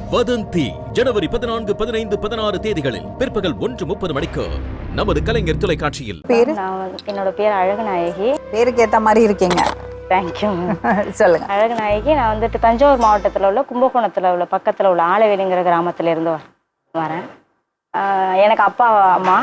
வதந்தி ஜனவரி 14, 15, 16 தேதிகளில் பிற்பகல் 1:30 மணிக்கு நமது கலைஞர் தொலைக்காட்சியில். என்னோட பேர் அழகுநாயகி. பேருக்கு ஏத்த மாதிரி இருக்கீங்க. தேங்க்யூ. சொல்லுங்க. அழகுநாயகி. நான் வந்துட்டு தஞ்சாவூர் மாவட்டத்தில் உள்ள கும்பகோணத்தில் உள்ள பக்கத்தில் உள்ள ஆலவேலிங்கிற கிராமத்துல இருந்து வரேன். எனக்கு அப்பா அம்மா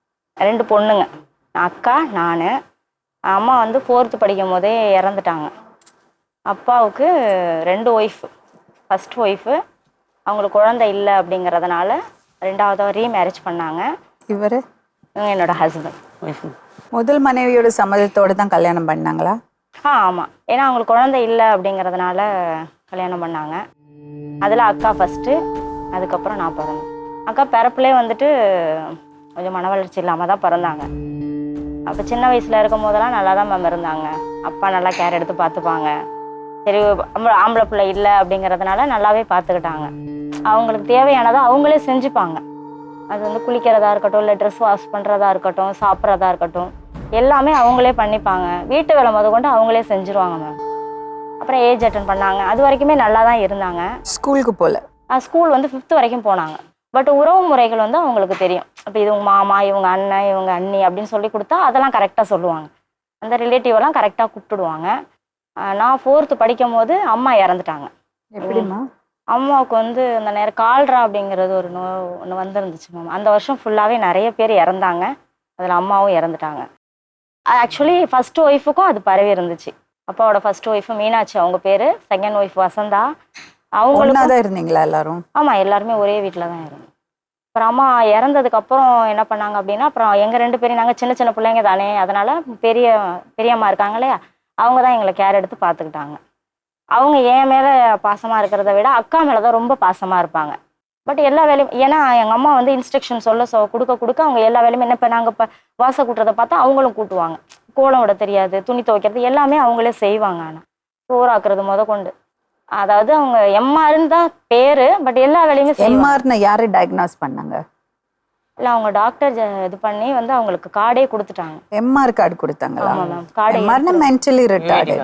2 பொண்ணுங்க, அக்கா நான். அம்மா வந்து 4th படிக்கும் போதே இறந்துட்டாங்க. அப்பாவுக்கு 2 ஒய்ஃப். ஃபர்ஸ்ட் ஒய்ஃபு அவங்களுக்கு குழந்தை இல்லை அப்படிங்கிறதுனால 2வது ரீமேரேஜ் பண்ணாங்க. இவர் என்னோட ஹஸ்பண்ட். முதல் மனைவியோட சம்மதத்தோடு தான் கல்யாணம் பண்ணாங்களா? ஆமாம். ஏன்னா அவங்களுக்கு குழந்தை இல்லை அப்படிங்கிறதுனால கல்யாணம் பண்ணாங்க. அதில் அக்கா ஃபஸ்ட்டு, அதுக்கப்புறம் நான் பிறந்தேன். அக்கா பிறப்புலேயே வந்துட்டு கொஞ்சம் மன வளர்ச்சி இல்லாமல் தான் பிறந்தாங்க. அப்போ சின்ன வயசில் இருக்கும் போதெல்லாம் நல்லா தான் மேம் இருந்தாங்க. அப்பா நல்லா கேர் எடுத்து பார்த்துப்பாங்க. சரி, ஆம்பளை பிள்ளை இல்லை அப்படிங்கிறதுனால நல்லாவே பார்த்துக்கிட்டாங்க. அவங்களுக்கு தேவையானதை அவங்களே செஞ்சுப்பாங்க. அது வந்து குளிக்கிறதா இருக்கட்டும், இல்லை ட்ரெஸ் வாஷ் பண்ணுறதா இருக்கட்டும், சாப்பிட்றதா இருக்கட்டும், எல்லாமே அவங்களே பண்ணிப்பாங்க. வீட்டு வேலை கொண்டு அவங்களே செஞ்சுருவாங்க மேம். அப்புறம் ஏஜ் அட்டன் பண்ணாங்க. அது வரைக்குமே நல்லா தான் இருந்தாங்க. ஸ்கூலுக்கு போகல. ஸ்கூல் வந்து 5th வரைக்கும் போனாங்க. பட் உறவு முறைகள் வந்து அவங்களுக்கு தெரியும். இப்போ இது உங்கள் மாமா, இவங்க அண்ணன், இவங்க அண்ணி அப்படின்னு சொல்லி கொடுத்தா அதெல்லாம் கரெக்டாக சொல்லுவாங்க. அந்த ரிலேட்டிவெல்லாம் கரெக்டாக கூப்பிட்டுடுவாங்க. நான் 4th படிக்கும் போது அம்மா இறந்துட்டாங்க. எப்படிம்மா? அம்மாவுக்கு வந்து அந்த நேரம் கால்ரா அப்படிங்கிறது ஒரு ஒன்று வந்துருந்துச்சு மேம். அந்த வருஷம் ஃபுல்லாகவே நிறைய பேர் இறந்தாங்க. அதில் அம்மாவும் இறந்துட்டாங்க. ஆக்சுவலி ஃபர்ஸ்ட் ஒய்ஃபுக்கும் அது பரவி இருந்துச்சு. அப்பாவோட ஃபர்ஸ்ட் ஒய்ஃபு மீனாட்சி அவங்க பேர், செகண்ட் ஒய்ஃப் வசந்தா. அவங்களும் தான் இருந்தீங்களா எல்லாரும்? ஆமாம், எல்லாருமே ஒரே வீட்டில் தான் இருந்தோம். அப்புறம் அம்மா இறந்ததுக்கப்புறம் என்ன பண்ணாங்க அப்படின்னா, அப்புறம் எங்கள் 2 பேரும் நாங்கள் சின்ன சின்ன பிள்ளைங்க தானே, அதனால் பெரியம்மா இருக்காங்க இல்லையா, அவங்க தான் எங்களை கேர் எடுத்து பார்த்துக்கிட்டாங்க. அவங்க என் மேலே பாசமாக இருக்கிறத விட அக்கா மேலே தான் ரொம்ப பாசமாக இருப்பாங்க. பட் எல்லா வேலையும், ஏன்னா எங்கள் அம்மா வந்து இன்ஸ்ட்ரக்ஷன் கொடுக்க அவங்க எல்லா வேலையுமே என்ன, இப்போ நாங்கள் இப்போ வாசை கூட்டுறதை பார்த்தா அவங்களும் கூட்டுவாங்க. கோலம் விட தெரியாது, துணி துவைக்கிறது எல்லாமே அவங்களே செய்வாங்க. ஆனால் சோறாக்குறது கொண்டு, அதாவது அவங்க எம்ஆர்ன்னு தான் பேர், பட் எல்லா வேலையுமே எம்ஆர்னு யாரு டயக்னாஸ் பண்ணாங்க? இல்லை, அவங்க டாக்டர் இது பண்ணி வந்து அவங்களுக்கு கார்டே கொடுத்துட்டாங்க. எம்ஆர் கார்டு கொடுத்தாங்களா? ஆமாம் மேம். கார்டு எம்ஆர்னா மென்டலி ரிட்டார்டு.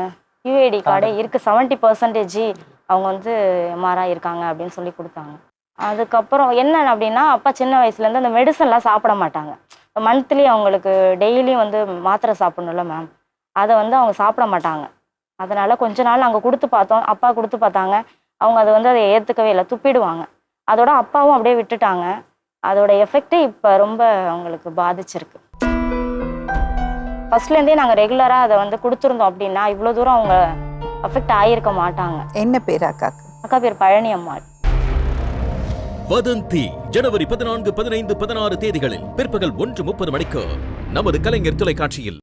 யூஏடி கார்டே இருக்கு. 70% அவங்க வந்து எம்ஆர்ஆ இருக்காங்க அப்படின்னு சொல்லி கொடுத்தாங்க. அதுக்கப்புறம் என்ன அப்படின்னா, அப்பா சின்ன வயசுலேருந்து அந்த மெடிசன்லாம் சாப்பிட மாட்டாங்க. மந்த்லி அவங்களுக்கு டெய்லியும் வந்து மாத்திரை சாப்பிடணும்ல மேம், அதை வந்து அவங்க சாப்பிட மாட்டாங்க. அதனால் கொஞ்ச நாள் அங்கே கொடுத்து பார்த்தோம், அப்பா கொடுத்து பார்த்தாங்க. அவங்க அதை ஏற்றுக்கவே இல்லை, துப்பிடுவாங்க. அதோட அப்பாவும் அப்படியே விட்டுட்டாங்க. அதோட எஃபெக்ட் இப்போ ரொம்ப அவங்களுக்கு பாதிச்சிருக்கு. ஃபர்ஸ்ட்லேருந்தே நாங்கள் ரெகுலராக அதை வந்து கொடுத்துருந்தோம் அப்படின்னா இவ்வளோ தூரம் அவங்க அஃபெக்ட் ஆகியிருக்க மாட்டாங்க. என்ன பேர் அக்காக்கு? அக்கா பேர் பழனி அம்மாள். வதந்தி ஜனவரி 14, 15, 16 தேதிகளில் பிற்பகல் 1:30 மணிக்கு நமது கலைஞர் தொலைக்காட்சியில்.